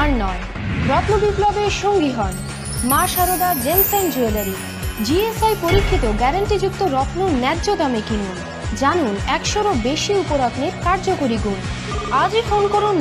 আর নয়, রত্ন বিপ্লবের সঙ্গী হন Maa Sarada gems and jewellery. GSI পরীক্ষিত গ্যারান্টিযুক্ত রত্ন ন্যায্য দামে কিনুন। জানুন 100-এরও বেশি উপরত্নের কার্যকরী গুণ। আজই ফোন করুন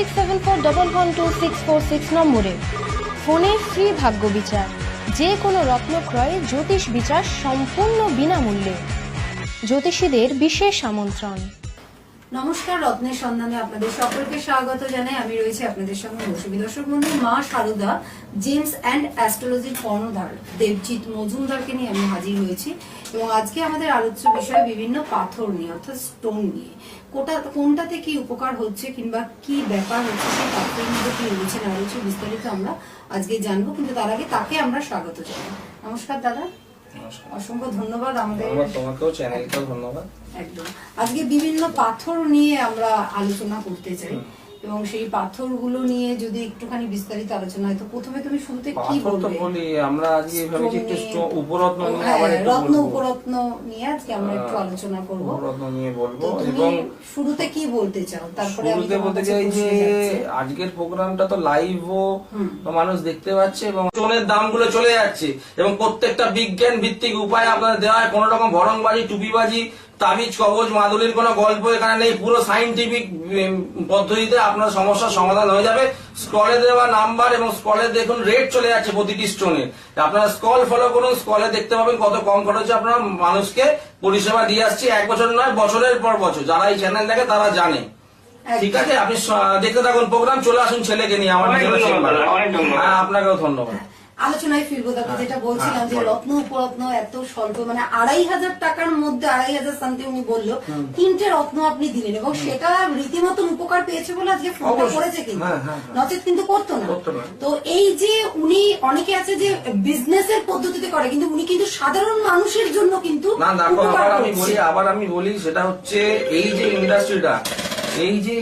9674112646 নম্বরে। ফোনে ফ্রি ভাগ্য বিচার। যে কোনো রত্ন ক্রয়ে জ্যোতিষ বিচার সম্পূর্ণ বিনামূল্যে। জ্যোতিষীদের বিশেষ আমন্ত্রণ। নমস্কার, রত্নের সন্ধানে আপনাদের সকলকে স্বাগত জানাই। আমি রয়েছি আপনাদের সঙ্গে মৌসুমী। দর্শক বন্ধু, মা সারদা জেমস অ্যান্ড অ্যাস্ট্রোলজির কর্ণধার দেবজিৎ মজুমদারকে নিয়ে আমি হাজির হয়েছি এবং আজকে আমাদের আলোচ্য বিষয় বিভিন্ন পাথর নিয়ে, অর্থাৎ স্টোন নিয়ে। কোনটাতে কি উপকার হচ্ছে কিংবা কি ব্যাপার হচ্ছে, সেই পাথরের মধ্যে কি রয়েছে না রয়েছে বিস্তারিত আমরা আজকে জানবো, কিন্তু তার আগে তাকে আমরা স্বাগত জানাই। নমস্কার দাদা, অসংখ্য ধন্যবাদ। তোমাকেও চ্যানেলকেও ধন্যবাদ। একদম। আজকে বিভিন্ন পাথর নিয়ে আমরা আলোচনা করতে চাই এবং সেই পাথরগুলো নিয়ে যদি একটুখানি বিস্তারিত আলোচনা হয়, তো প্রথমে তুমি শুরুতে কি বলবে? বলি আমরা আজকে ভেবেছি একটু উপরত্ন নিয়ে, আবার একটু রত্ন উপরত্ন নিয়ে আজকে আমরা একটু আলোচনা করব। উপরত্ন নিয়ে বলবো এবং শুরুতে কি বলতে চাও? তারপরে আমি বলতে চাই যে আজকের প্রোগ্রামটা তো লাইভও মানুষ দেখতে পাচ্ছে এবং স্টোনের দামগুলো চলে যাচ্ছে এবং প্রত্যেকটা বিজ্ঞান ভিত্তিক উপায় আপনাদের দেওয়া হয়। কোন রকম ভরংবাজি, টুপিবাজি, তাবিজ, কবজ, মাদুলির কোনো গল্প এখানে নেই। পুরো সাইন্টিফিক পদ্ধতিতে আপনার সমস্যার সমাধান হয়ে যাবে। স্কলে দেওয়া নাম্বার এবং স্কলে দেখুন রেট চলে যাচ্ছে প্রতিটি স্টোনের। আপনারা স্কল ফলো করুন, স্কলে দেখতে পাবেন কত কম খরচে আপনারা মানুষকে পরিষেবা দিয়ে আসছি। 1 বছর নয়, বছরের পর বছর। যারা এই চ্যানেল দেখে তারা জানে। ঠিক আছে, আপনি দেখতে থাকুন প্রোগ্রাম। চলে আসুন ছেলেকে নিয়ে আমার আপনাকেও ধন্যবাদ। আলোচনায় ফিরবো। তারপর যেটা বলছিলাম যে রত্ন উপরত্ন এত স্বল্প, মানে 2500 টাকার মধ্যে 2500 সামথিং উনি বললো 3টে রত্ন আপনি দিলেন এবং সেটা রীতিমতন উপকার পেয়েছে বলে আজকে ফোনটা করেছে, কিন্তু নচেত কিন্তু করতো না। তো এই যে উনি, অনেকে আছে যে বিজনেসের পদ্ধতিতে করে, কিন্তু উনি কিন্তু সাধারণ মানুষের জন্য কিন্তু আবার আমি বলি সেটা হচ্ছে এই যে ইন্ডাস্ট্রিটা, এই যে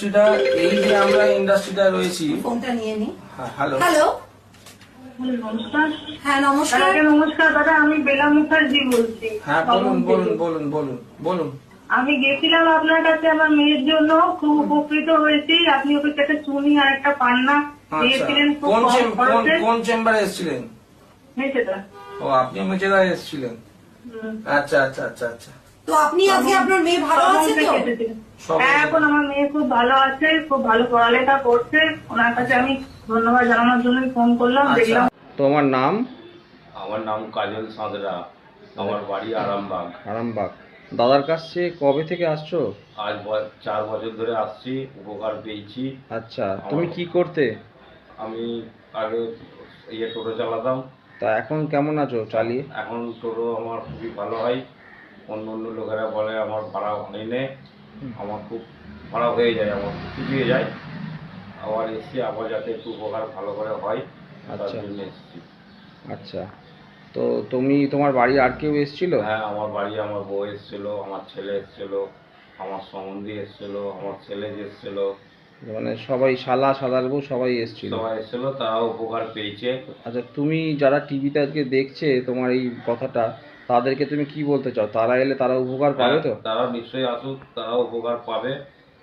আমরা ইন্ডাস্ট্রিটা রয়েছি। ফোনটা নিয়ে নি। হ্যালো হ্যালো, নমস্কার। হ্যাঁ নমস্কার। নমস্কার দাদা, আমি বেলা মুখার্জি বলছি। হ্যাঁ বলুন। আমি গেছিলাম আপনার কাছে আমার মেয়ের জন্য, খুব উপকৃত হয়েছি। আপনি ওকে একটা চুনি আর একটা পান্না দিয়েছিলেন। কোন চেম্বারে এসেছিলেন? মেচেদা। ও, আপনি মেচেদা এসেছিলেন। আচ্ছা। তো আপনি আজকে আপনার মেয়ে ভালো আছে তো? হ্যাঁ, এখন আমার মেয়ে খুব ভালো আছে, খুব ভালো পড়ালেখা করছে। ওনার কাছে আমি ধন্যবাদ জানানোর জন্য ফোন করলাম। দেখলাম। তোমার নাম? আমার নাম কাজল সাঁতরা, আমার বাড়ি আরামবাগ। দাদার কাছে কবে থেকে আসছো? আজ 4 বছর ধরে আসছি, উপকার পেয়েছি। আচ্ছা, তুমি কি করতে? আমি আগে টোটো চালাতাম। তা এখন কেমন আছো চালিয়ে? এখন টোটো আমার খুবই ভালো হয়। অন্য লোকেরা বলে আমার ভাড়া হয় না, আমার খুব ভাড়া হয়ে যায়, আমার চুপিয়ে যায়। আবার এসছি, আবার যাতে একটু উপকার ভালো করে হয় তার জন্য এসছি। আচ্ছা, তো তুমি, তোমার বাড়ি আর কেউ এসেছিল? হ্যাঁ, আমার বাড়ি আমার বউ এসেছিল, আমার ছেলে এসেছিল, আমার সম্বন্ধী এসেছিল, আমার ছেলে এসেছিল, মানে সবাই, সাদার বউ সবাই এসেছিল? সবাই এসেছিল, তারাও উপকার পেয়েছে। আচ্ছা, তুমি যারা টিভিতে আজকে দেখছে তোমার এই কথাটা, তাদেরকে তুমি কি বলতে চাও? তারা এলে তারা উপকার পাবে তো? তারা নিশ্চয়ই আসুক, তারাও উপকার পাবে।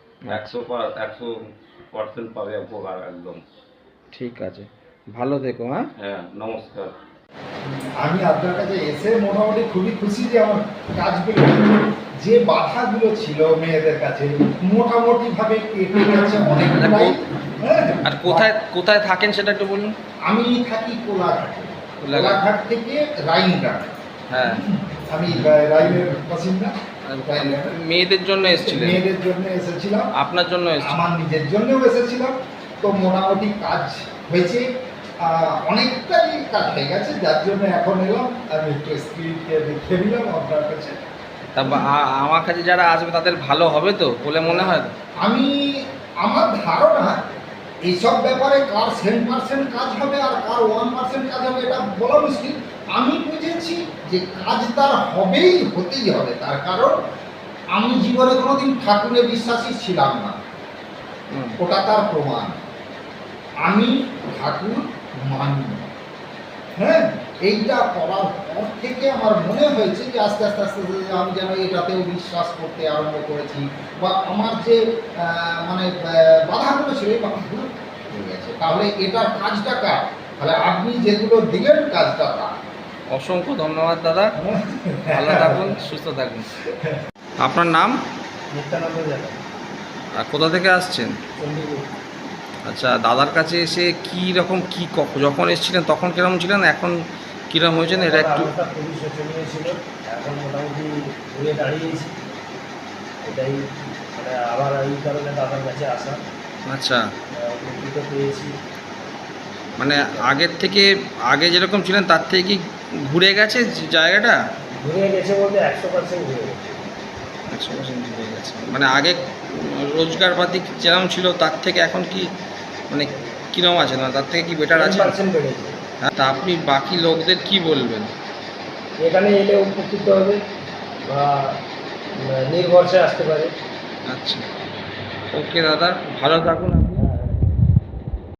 100% পাবে উপকার, একদম। ঠিক আছে, ভালো থেকো। হ্যাঁ, নমস্কার। আমি আপনার কাছে এসে মোটামুটি খুবই খুশি যে আমার কাজগুলো, যে বাধাগুলো ছিল মেয়েদের কাছে, মোটামুটি ভাবে কেটে গেছে অনেকটাই। আর কোথায় থাকেন সেটা একটু বলুন। আমি থাকি কোলাঘাট থেকে রাইনঘাট। হ্যাঁ, আমি রাইনের বাসিন্দা। মেয়েদের জন্য এসেছিলেন? মেয়েদের জন্য এসেছিলাম। আপনার জন্য এসেছিলেন? আমার নিজের জন্যও এসেছিলাম। তো মোটামুটি কাজ হয়েছে, অনেকটাই কাজ হয়ে গেছে, যার জন্য এখন এলাম। আমি একটু স্ক্রিনকে দেখে নিলাম আপনার কাছে। তা আমার কাছে যারা আসবে তাদের ভালো হবে তো বলে মনে হয়? আমার ধারণা এইসব ব্যাপারে কার 10% কাজ হবে আর কার 1% কাজ হবে এটা বলা মুশকিল। আমি বুঝেছি যে কাজ তার হতেই হবে। তার কারণ আমি জীবনে কোনোদিন ঠাকুরে বিশ্বাসী ছিলাম না, ওটা তার প্রমাণ। আমি ঠাকুর মানি। হ্যাঁ, এইটা করার পর থেকে আমার মনে হয়েছে যে আস্তে আস্তে আমি যেন এটাতেও বিশ্বাস করতে আরম্ভ করেছি, বা আমার যে বাধাগুলো ছিল এই বাধাগুলো হয়ে গেছে। হচ্ছে, তাহলে এটার কাজটা কার? তাহলে আপনি যেগুলো দিলেন কাজটা তার। অসংখ্য ধন্যবাদ দাদা, ভালো থাকুন, সুস্থ থাকুন। আপনার নাম নিত্যানন্দ জানা আর কোথা থেকে আসছেন? চণ্ডীপুর। আচ্ছা, দাদার কাছে এসে কি রকম কি যখন এসেছিলেন তখন কিরকম ছিলেন, এখন কিরকম হয়েছেন এটা একটু। অবস্থা খুবই শোচনীয় ছিল, এখন মোটামুটি ঘুরে দাঁড়িয়েছি। এটাই মানে আবার এই কারণে দাদার কাছে আসা, আচ্ছা, উপকৃত পেয়েছি। মানে আগের থেকে আগে যেরকম ছিলেন তার থেকে কি ঘুরে গেছে জায়গাটা? ঘুরে গেছে বলতে 100% ঘুরে গেছে। 100% ঘুরে গেছে, মানে আগে রোজগারপাতি যেরকম ছিল তার থেকে এখন কি মানে কিরকম আছে, না তার থেকে কি বেটার আছে? 10% বেড়েছে। হ্যাঁ, তা আপনি বাকি লোকদের কি বলবেন? এখানে এলে উপকৃত হবে বা নির্ভরসে আসতে পারে। আচ্ছা, ওকে দাদা, ভালো থাকুন।